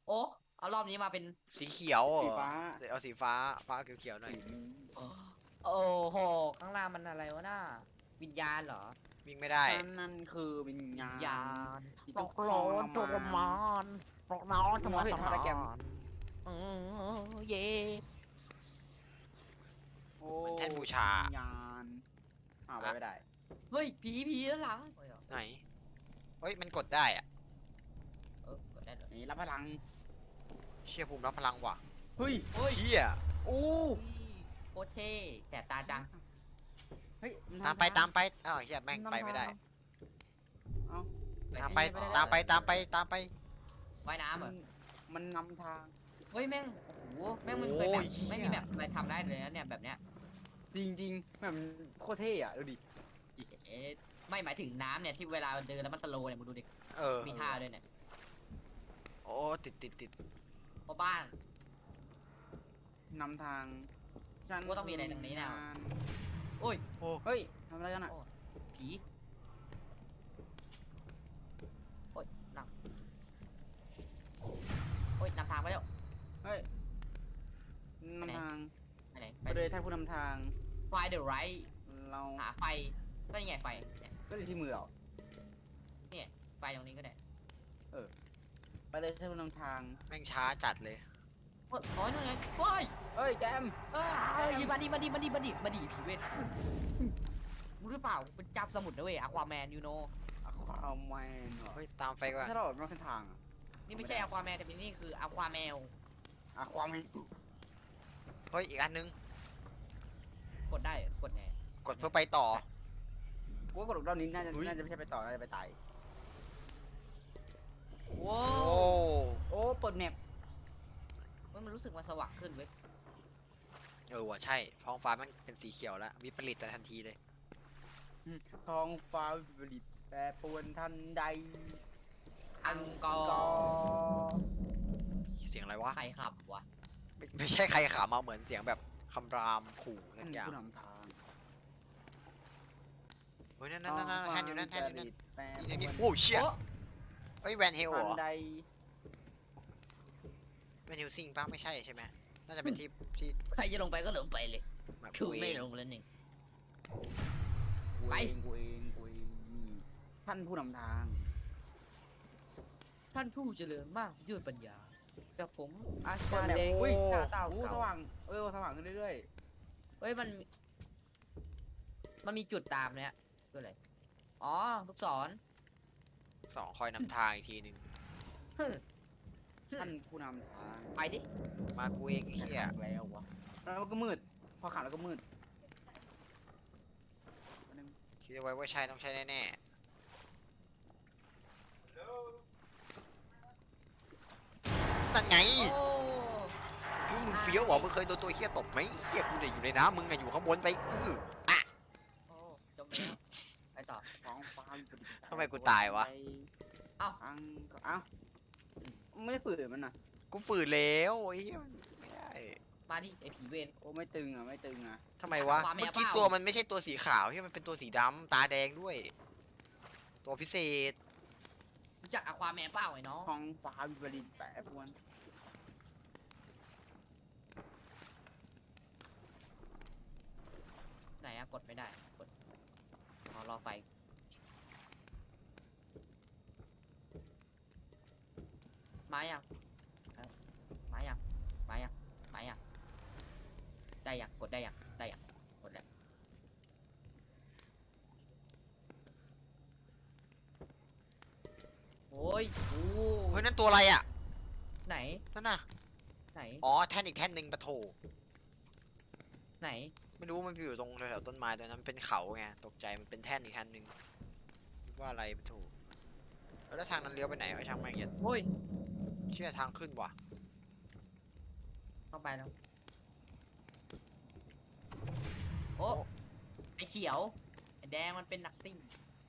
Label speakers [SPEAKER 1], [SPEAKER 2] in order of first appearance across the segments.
[SPEAKER 1] โอ้เอารอบนี้มาเป็น
[SPEAKER 2] สีเขียวเหรอ
[SPEAKER 3] สีฟ้า
[SPEAKER 2] เอาสีฟ้าฟ้าเขียวๆหน่อย
[SPEAKER 3] สีม่วง
[SPEAKER 1] โอ้โอ้โหข้างล่างมันอะไรวะน่าวิญญาณเหรอ
[SPEAKER 2] วิ่งไม่ได้
[SPEAKER 3] นั่นคือวิญญา
[SPEAKER 1] วิญญา
[SPEAKER 3] ณ
[SPEAKER 1] ณ
[SPEAKER 3] ที่ทุกข์ท
[SPEAKER 1] ร้อนทร
[SPEAKER 3] รมาน
[SPEAKER 1] มานร้อนทร
[SPEAKER 3] มองเห็น
[SPEAKER 1] มาน
[SPEAKER 3] ท่าไรแกม
[SPEAKER 1] อืเย่
[SPEAKER 3] โอ้
[SPEAKER 2] มันแท่นบูชา
[SPEAKER 3] วิญญาณไปไม่ได้
[SPEAKER 1] เฮ้ยผีด้านหลังเฮ้ยเหรอ
[SPEAKER 2] ไหนเฮ้ยมันกดได้อะ
[SPEAKER 1] กดได้เลย
[SPEAKER 3] นี่รับพลัง
[SPEAKER 2] เชี่ยภูมิรับพลังว่ะ
[SPEAKER 3] เฮ้ย
[SPEAKER 1] เฮ้ย
[SPEAKER 2] เฮีย
[SPEAKER 3] โอ้
[SPEAKER 1] โคตรเท่แสบตาจัง
[SPEAKER 3] เฮ้ย
[SPEAKER 2] ตามไปตามไปอ้าวเฮียแม่งไปไม่ได้
[SPEAKER 3] เอ้า
[SPEAKER 2] ตามไปตามไป
[SPEAKER 1] ว่ายน้ำเหรอ
[SPEAKER 3] มันนำทาง
[SPEAKER 1] เฮ้ยแม่งโอ้โหแม่งมันเคยแบบไม่มีแบบอะไรทำได้เลยนะเนี่ยแบบเนี้ย
[SPEAKER 3] จริงๆแบบโคตรเท่อะดูดิ
[SPEAKER 1] เอ๊ะไม่หมายถึงน้ำเนี่ยที่เวลาเดินแล้วมันสโลว์เนี่ยมึงดูดิ
[SPEAKER 2] เออ
[SPEAKER 1] มีท่าด้วยเนี่ย
[SPEAKER 2] โอ้ติด
[SPEAKER 1] เพราะบ้าน
[SPEAKER 3] นำทาง
[SPEAKER 1] ว่าต้องมีอะไรตรงนี้แน่ โอ้ย
[SPEAKER 2] โอ้
[SPEAKER 3] เฮ้ยทำอะไรกันอะ
[SPEAKER 1] โอ้ผีโอ้ยนำโอ้ยนำทางไปแล้ว
[SPEAKER 3] เฮ้ยนำทาง
[SPEAKER 1] ไปไหนไป
[SPEAKER 3] ไปเลยท่านผู้นำทาง
[SPEAKER 1] ไฟเดอะไรท์
[SPEAKER 3] เรา
[SPEAKER 1] หาไฟก็ยังไงไฟเนี่ย
[SPEAKER 3] ก็อยู่ที่มือเรา
[SPEAKER 1] ไฟตรงนี้ก็ได้
[SPEAKER 3] ไปเลยท่านผู้นำทาง
[SPEAKER 2] แม่งช้าจัดเลย
[SPEAKER 1] โอ้ยนั่นไงโอ้ย
[SPEAKER 3] เฮ้ยแจม
[SPEAKER 1] มาดิผีเวทรู้หรือเปล่าเป็นจับสมุดนะเว้ยอควาแมนยูโน
[SPEAKER 3] อะความแมนเหรอ
[SPEAKER 2] เฮ้ยตามไฟก่อน
[SPEAKER 3] ถ้าเราออกนอกเส้นทางอะ
[SPEAKER 1] นี่ไม่ใช่อควาแมนแต่นี่คืออควาแมว
[SPEAKER 3] อะความแมน
[SPEAKER 2] เฮ้ยอีกอันนึง
[SPEAKER 1] กดได้กดไง
[SPEAKER 2] กดเพื่อไปต่อ
[SPEAKER 3] กูว่ากดรอบนี้น่าจะ
[SPEAKER 2] เฮ้ย
[SPEAKER 3] ไม่ใช่ไปต่อน่าจะไปตาย
[SPEAKER 1] ว้า
[SPEAKER 2] โอ้
[SPEAKER 1] ว
[SPEAKER 3] โอ้เปิดแมป
[SPEAKER 1] มันรู้สึกมันสว่างขึ้นเว้ย
[SPEAKER 2] เออว่ะใช่ท้องฟ้ามันเป็นสีเขียวแล้ววิปริตแต่ทันทีเลย
[SPEAKER 3] ท้องฟ้าวิปริตแปรปรวนทันใด
[SPEAKER 1] อังกอ
[SPEAKER 3] ก็
[SPEAKER 1] ร์
[SPEAKER 2] เสียงอะไรวะ
[SPEAKER 1] ใครขับวะ
[SPEAKER 2] ไม่ใช่ใครขามาเหมือนเสียงแบบคำรามขู่สักอย่าง
[SPEAKER 3] ผู้นำทาง
[SPEAKER 2] เฮ้ยนั่นแท่นอยู่นั่น
[SPEAKER 3] แปรปร
[SPEAKER 2] นี่
[SPEAKER 3] วน
[SPEAKER 2] โอ้เชี่ย
[SPEAKER 1] โอ้
[SPEAKER 2] เฮ้ยแวนเฮลเหร
[SPEAKER 3] ทัน
[SPEAKER 2] อ
[SPEAKER 3] ใด
[SPEAKER 2] แวนเฮลซิงป้าไม่ใช่ใช่ไหมน่าจะเป็นที่
[SPEAKER 1] ใครจะลงไปก็ลงไปเลย
[SPEAKER 2] แบบ
[SPEAKER 1] คือไม่
[SPEAKER 2] เว
[SPEAKER 1] ลงแล้วหนึ่ง
[SPEAKER 3] กู
[SPEAKER 1] ไป
[SPEAKER 3] เองกูเองกูเองนี่ท่านผู้นำทาง
[SPEAKER 1] ท่านผู้เจริญมากด้วยปัญญากับผมอา
[SPEAKER 3] เปิ
[SPEAKER 1] จาร
[SPEAKER 3] ด
[SPEAKER 1] ย์
[SPEAKER 3] แมป
[SPEAKER 1] แดง
[SPEAKER 3] อุ้ย
[SPEAKER 1] ตาเต่า
[SPEAKER 3] ส
[SPEAKER 1] เก่า
[SPEAKER 3] ว่างสว่างขึ้นเรื่อย
[SPEAKER 1] เฮ้ยมันมีจุดตามเนี่ยคืออะไรอ๋อลูกศร
[SPEAKER 2] สองคอยนำทางอีกทีหนึ่ง
[SPEAKER 1] ฮึ่ม
[SPEAKER 3] ๆท่านผู้นำทาง
[SPEAKER 1] ไปดิ
[SPEAKER 2] มากูเองไอ้เฮีย
[SPEAKER 3] แล้ววะแล้วก็มืดพอขับแล้วก็มืด
[SPEAKER 2] คิดเอาไว้ว่าใช่ต้องใช่แน่ๆนั่นไง
[SPEAKER 1] โอ้
[SPEAKER 2] คือมึงเฟี้ยวเหรอมึงเคยโดนตัวเฮียตบไหมเฮียกูเนี่ยอยู่ในน้ำมึงน่ะอยู่ข้างบนไปอ่ะ
[SPEAKER 1] โอ้จมแล้วไปต่อ
[SPEAKER 3] ท้องฟ้าวิปริต
[SPEAKER 2] ทำไมกูตายวะ
[SPEAKER 1] เอ้า
[SPEAKER 3] เอ้าไม่ได้ฝืนมันนะ
[SPEAKER 2] กูฝืนแล้วไอ้เฮียมันไม่ได้
[SPEAKER 1] มาดิไอผีเวร
[SPEAKER 3] โอ้ไม่ตึงอ่ะไม่ตึงอ่ะ
[SPEAKER 2] ทำไมวะ
[SPEAKER 1] ความแมว
[SPEAKER 2] เมื่อกี้
[SPEAKER 1] เปล่า
[SPEAKER 2] ตัวมันไม่ใช่ตัวสีขาวที่มันเป็นตัวสีดำตาแดงด้วย ตัวพิเศษ
[SPEAKER 1] รู้จักอควาแมนเปล่าไอ้น้อง
[SPEAKER 3] ท้องฟ้าวิปริตแปรปรวน
[SPEAKER 1] ไหนอะกดไม่ได้กดรอไฟมายังมายังมายังมายังได้ยังกดได้ยังได้ยังกดแล้วโอ้ยโอ้
[SPEAKER 2] เฮ้ยนั่นตัวอะไรอ่ะ
[SPEAKER 1] ไหน
[SPEAKER 2] นั่นน่ะ
[SPEAKER 1] ไหน
[SPEAKER 2] อ๋อแท่นอีกแท่นหนึ่งปะโถ
[SPEAKER 1] ไหน
[SPEAKER 2] ไม่รู้มันอยู่ตรงแถวๆต้นไม้ตัวนั้นเป็นเขาไงตกใจมันเป็นแท่นอีกแท่นหนึ่งคิดว่าอะไรปะโถแล้วทางนั้นเลี้ยวไปไหนวะช่างแม่งเหี้ย
[SPEAKER 1] โอ้ย
[SPEAKER 2] เชื่อทางขึ้นว่ะ
[SPEAKER 1] เข้าไปแล้วโอ้ไอเขียวไอแดงมันเป็นนักซิ่ง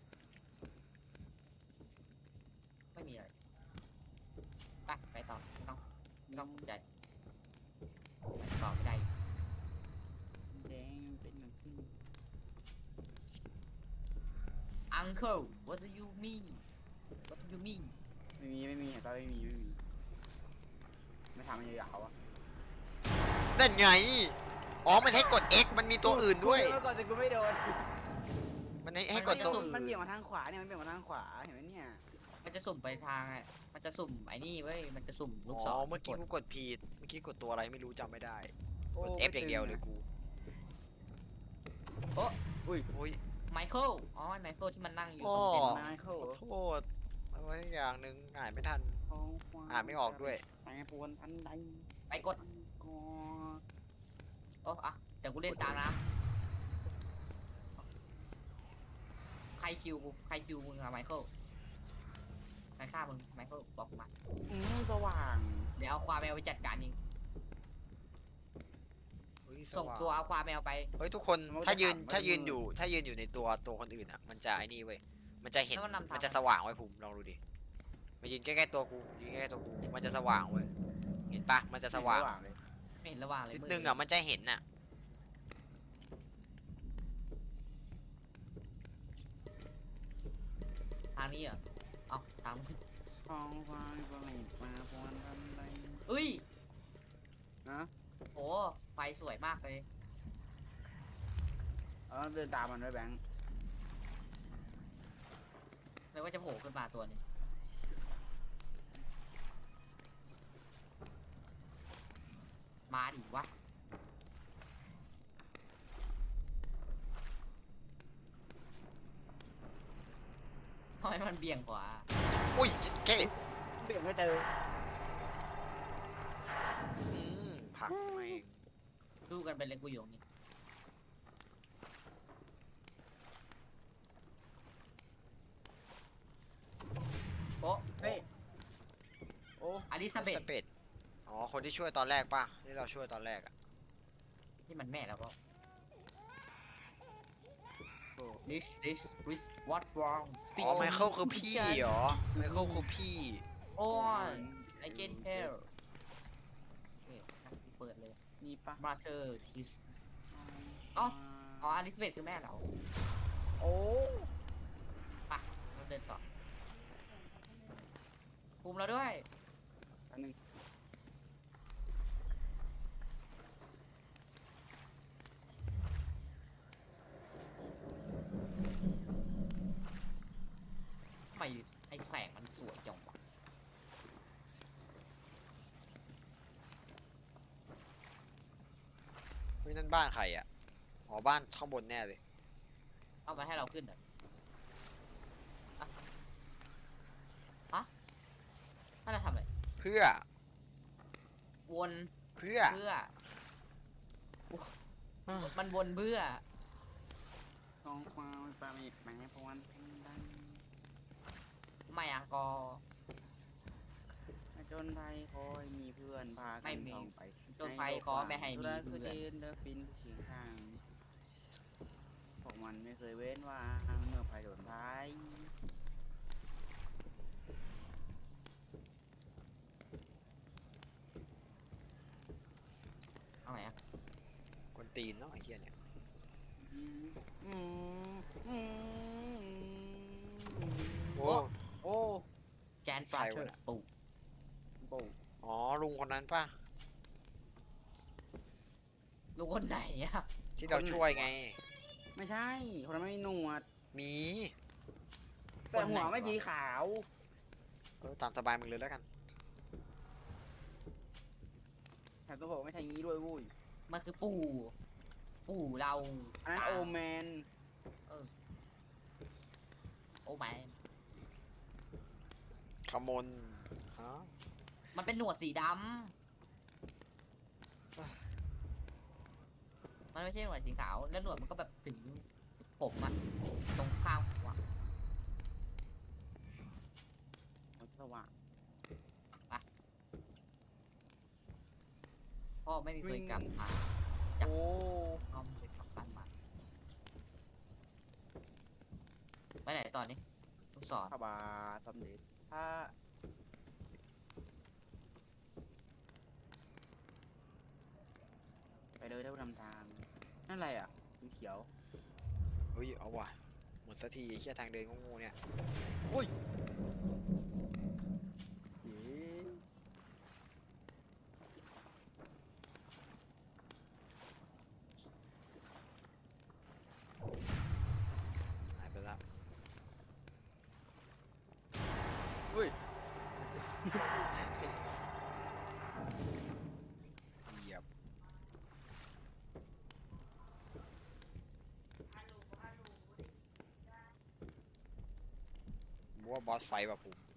[SPEAKER 1] ไม่มีอะไรไปต่อไม่ต้องสนใจต่อไม่ได้
[SPEAKER 3] แดงเป็นหนังที่
[SPEAKER 1] Uncle what do you mean what do you mean
[SPEAKER 3] ไม่มีตาไม่มีไม่ทำมันยาวๆอ่ะ
[SPEAKER 2] นั่นไงอ๋อมันให้กด X มันมีตัวอื่นด้วย
[SPEAKER 3] เมื่อก่อนแต่กูไม่โดน
[SPEAKER 2] มันให้กดตัวอื่น
[SPEAKER 3] มันเบี่ยงมาทางขวาเนี่ยมันเบี่ยงมาทางขวาเห็นไหมเนี่ย
[SPEAKER 1] มันจะสุ่มไปทางอ่ะมันจะสุ่มไอ้นี่เว้ยมันจะสุ่มลูก
[SPEAKER 2] อ๋
[SPEAKER 1] ศร
[SPEAKER 2] อเมื่อกี้กูกดผิดเมื่อกี้กดตัวอะไรไม่รู้จำไม่ได้
[SPEAKER 3] โ
[SPEAKER 2] กด F อย่างเดียวเลยกู
[SPEAKER 3] อุ้ย
[SPEAKER 2] โอ้ย
[SPEAKER 1] ไมเคิลอ๋อไมเคิลที่มันนั่งอยู่
[SPEAKER 2] โอ้
[SPEAKER 1] ตรงเต็นท์
[SPEAKER 3] ไมเคิล
[SPEAKER 2] ขอโทษอะไรอย่างหนึ่งอ่านไม่ทัน
[SPEAKER 3] ท้องฟ้า
[SPEAKER 2] อ่านไม่ออกด้วย
[SPEAKER 3] แปรปรวนทันใด
[SPEAKER 1] ไปกด
[SPEAKER 3] ก็
[SPEAKER 1] โอ้อะเดี๋ยวกูเล่นตามนะใครคิวกูใครคิวมึงอะไมเคิลใครฆ่ามึงไมเคิลบอกมา
[SPEAKER 3] สว่าง
[SPEAKER 1] เดี๋ยวเอาความแมวไปจัดการเอง
[SPEAKER 2] เฮ้ยส
[SPEAKER 1] ส่ง
[SPEAKER 2] ว่าง
[SPEAKER 1] ตัวเอาความแมวไป
[SPEAKER 2] เฮ้ยทุกคนถ้ายืนอยู่ในตัวคนอื่นอ่ะมันจะไอ้นี่เว้ยมันจะเห็น
[SPEAKER 1] แล้วมันนำทาง
[SPEAKER 2] มันจะสว่างไว้ภูมิลองดูดิมายืนใกล้ๆตัวกูยืนใกล้ๆตัวกูมันจะสว่างเว้ยเห็นปะมันจะสว่าง
[SPEAKER 3] เลย
[SPEAKER 1] ไม่เห็นระหว่างเลย
[SPEAKER 2] นิด
[SPEAKER 1] มื
[SPEAKER 2] นึงอ่ะมันจะเห็นอ่ะ
[SPEAKER 1] ทางนี้เหรอเอาทาง
[SPEAKER 3] ท้องฟ้าก็ไม่มาปรวนทันใด
[SPEAKER 1] เอ้ย
[SPEAKER 3] นะ
[SPEAKER 1] โหไฟสวยมากเลย
[SPEAKER 3] เดินตามมันด้วยแบงค์
[SPEAKER 1] เลยว่าจะโผล่ขึ้นมาตัวหนึงมาดิวะทำไมมันเบี่ยงขวา
[SPEAKER 2] อุ้ยแค่
[SPEAKER 3] เบี่ยงไม่เจอ
[SPEAKER 2] ผลักมาเอง
[SPEAKER 1] ดูกันไปเลยกูอยู่ตรงนี้โอ้เฮ้ย
[SPEAKER 3] โอ้
[SPEAKER 1] อลิซาเบธ
[SPEAKER 2] สเปดอ๋อคนที่ช่วยตอนแรกป่ะที่เราช่วยตอนแรกอ่ะ
[SPEAKER 1] นี่มันแม่แล้วก็
[SPEAKER 3] โอ้
[SPEAKER 1] this what wrong
[SPEAKER 2] อ๋อไมเคิลคือพี่เหรอไมเคิลคือพี่
[SPEAKER 1] โอ้ย I can tell โอเคเปิดเลย
[SPEAKER 3] นี่ปะ
[SPEAKER 1] Mother Kiss อ๋อ อ๋ออลิซาเบธคือแม่เรา
[SPEAKER 3] โอ้
[SPEAKER 1] ไปะเราเดินต่อภูมิเราด้วย
[SPEAKER 3] อันหนึง
[SPEAKER 1] ทำไมไอ้แสงมันสวยจังวะ
[SPEAKER 2] เฮ้ยนั่นบ้านใครอ่ะอ๋อบ้านข้างบนแน่เลย
[SPEAKER 1] เอามาให้เราขึ้นเหรออะฮะน่าจะทำอะไร
[SPEAKER 2] เพื่อ
[SPEAKER 1] วน
[SPEAKER 2] เพื่อ
[SPEAKER 1] เพื่อ มันวนเพื่อ
[SPEAKER 3] ท้องฟ้าไม่ปราณีแปรปรวนทันใด
[SPEAKER 1] ไม่อะกอ
[SPEAKER 3] จนไทยคอยมีเพื่อนพา
[SPEAKER 1] ไม่
[SPEAKER 3] กัน
[SPEAKER 1] มี
[SPEAKER 3] ท่องไป
[SPEAKER 1] จนไฟขอไม่ให้มี
[SPEAKER 3] เพื่
[SPEAKER 1] เพื่
[SPEAKER 3] อ
[SPEAKER 1] อน
[SPEAKER 3] นเดินฟินเคียงข้างพวกมันไม่เคยเว้นว่างเมื่อภัยโดนท้าย
[SPEAKER 1] เอาไหนอะ
[SPEAKER 2] กวนตีนเนาะไอ้เหี้ยเนี่ย
[SPEAKER 3] อืมอืมอืม
[SPEAKER 2] โอ้
[SPEAKER 3] โอ้
[SPEAKER 1] แกนฟาเธอร์ปู
[SPEAKER 3] โอ้
[SPEAKER 2] อ๋อลุงคนนั้นป่ะ
[SPEAKER 1] ลูกคนไหนอะ
[SPEAKER 2] ที่เราช่วยไง
[SPEAKER 3] ไม่ใช่คนนั้นไม่มีหนวด
[SPEAKER 2] มี
[SPEAKER 3] แต่หัวไม่สีขาว
[SPEAKER 2] ตามสบายมึงเลยแล้วกัน
[SPEAKER 3] แต่ตัวบอกไม่ใช่งี้ด้วยวุ้ย
[SPEAKER 1] มันคือปู่ ปู่เรา
[SPEAKER 3] อันนั้นโอแมน
[SPEAKER 1] โอ้แมน
[SPEAKER 2] ขมนฮะ
[SPEAKER 1] มันเป็นหนวดสีดำ มันไม่ใช่หนวดสีขาว แล้วหนวดมันก็แบบถึงผมอะตรงข้างหัว
[SPEAKER 3] มันสว่าง
[SPEAKER 1] พ่อไม่มีเคยกลับมา
[SPEAKER 3] โอ้
[SPEAKER 1] พ่อไม่เคยกลับบ้านมาไปไหนตอนนี้ลูกศร
[SPEAKER 3] พระบาทสมเด็จพระไปเลยได้ผู้นำทาง นั่นอะไรอ่ะสีเขียว
[SPEAKER 2] เฮ้ยเอาว่ะหมดสักทีไอ้เหี้ยทางเดินงูๆเนี่ย
[SPEAKER 3] เย้
[SPEAKER 2] เหยียบบัวบอสไฟต์แบบผม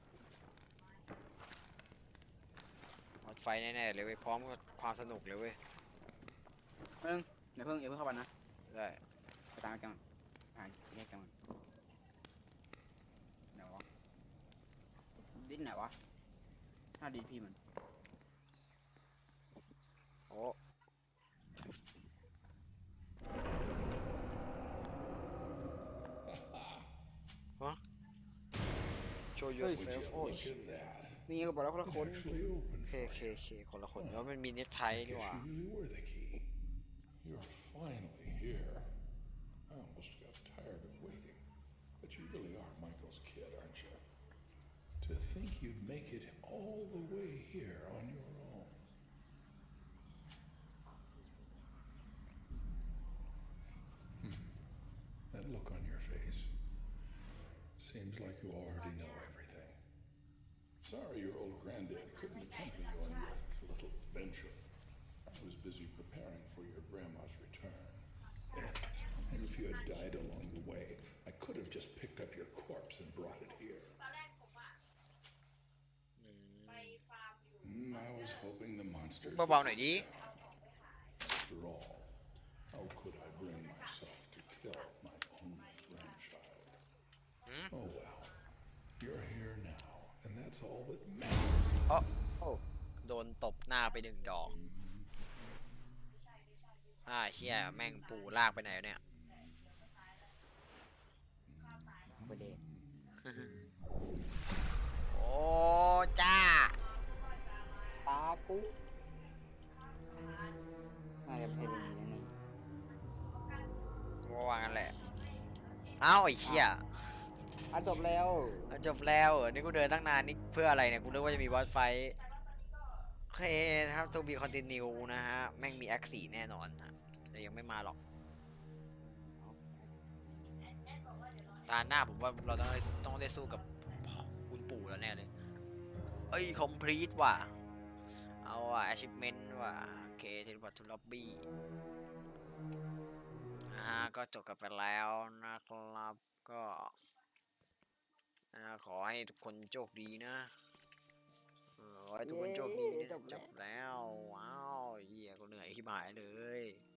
[SPEAKER 2] บอสไฟต์แน่ๆเลยเว้ยพร้อมกับความสนุกเลยเว้ย
[SPEAKER 3] อย่าเพิ่งเข้าไปนะ
[SPEAKER 2] ได้
[SPEAKER 3] ไปตามกันแยกกันไหนวะดิ้นไหนวะถ้าดีพี่มัน
[SPEAKER 2] โอ้ฮะ show yourself โอ้ย
[SPEAKER 4] Look at that.
[SPEAKER 3] นี่ก็บอกแล้วคนละคน
[SPEAKER 4] Actually open
[SPEAKER 2] เค
[SPEAKER 4] for
[SPEAKER 2] เค
[SPEAKER 4] you.
[SPEAKER 2] เคคนละคนแล้วมันมีเน็ตไทนี่หว่า
[SPEAKER 4] Guess you really were the key. You're finally here. I almost got tired of waiting. But you really are Michael's kid, aren't you? To think you'd make it all the way here on your own. That look on your face. Seems like you already know everything. Sorry your old granddad couldn't accompany you on your little venture. I was busy preparing for your grandma's return. And if you had died along the way, I could have just picked up your corpse and brought it here. I was hoping the monsters would
[SPEAKER 2] เบาๆหน่อยดิ
[SPEAKER 4] down. After all, how could I bring myself to kill my only grandchild? Oh well, you're here now, and that's all that matters.
[SPEAKER 2] โอ้โดนตบหน้าไปหนึ่งดอกเชี่ยแม่งปู่ลากไปไหนวะเนี่ย
[SPEAKER 3] ไปเดท
[SPEAKER 2] โอ้จ้า
[SPEAKER 3] ตากูน่าจะเป็นแบบนี้นี่
[SPEAKER 2] ว่างั้นแหละเอ้าไอ้เชี่ย
[SPEAKER 3] จบแล้ว
[SPEAKER 2] จบแล้วเหรอนี่กูเดินตั้งนานนี่เพื่ออะไรเนี่ยกูนึกว่าจะมีบอสไฟท์โอเคครับตัวบีคอนติเนียนะฮะแม่งมีแอคสี่แน่นอนนะแต่ยังไม่มาหรอกตาหน้าผมว่าเราต้องได้สู้กับคุณปู่แล้วแน่เลยเอ้ยคอมพลีทว่ะเอาว่ะ achievement ว่ะโอเคเทเลพอร์ตทูล็อบบี้ก็จบกันไปแล้วนะครับก็ขอให้ทุกคนโชคดีนะขอให้ทุกคนโชคดีนะจบแล้วว้าวเหี้ยกูเหนื่อยขี้หายเลย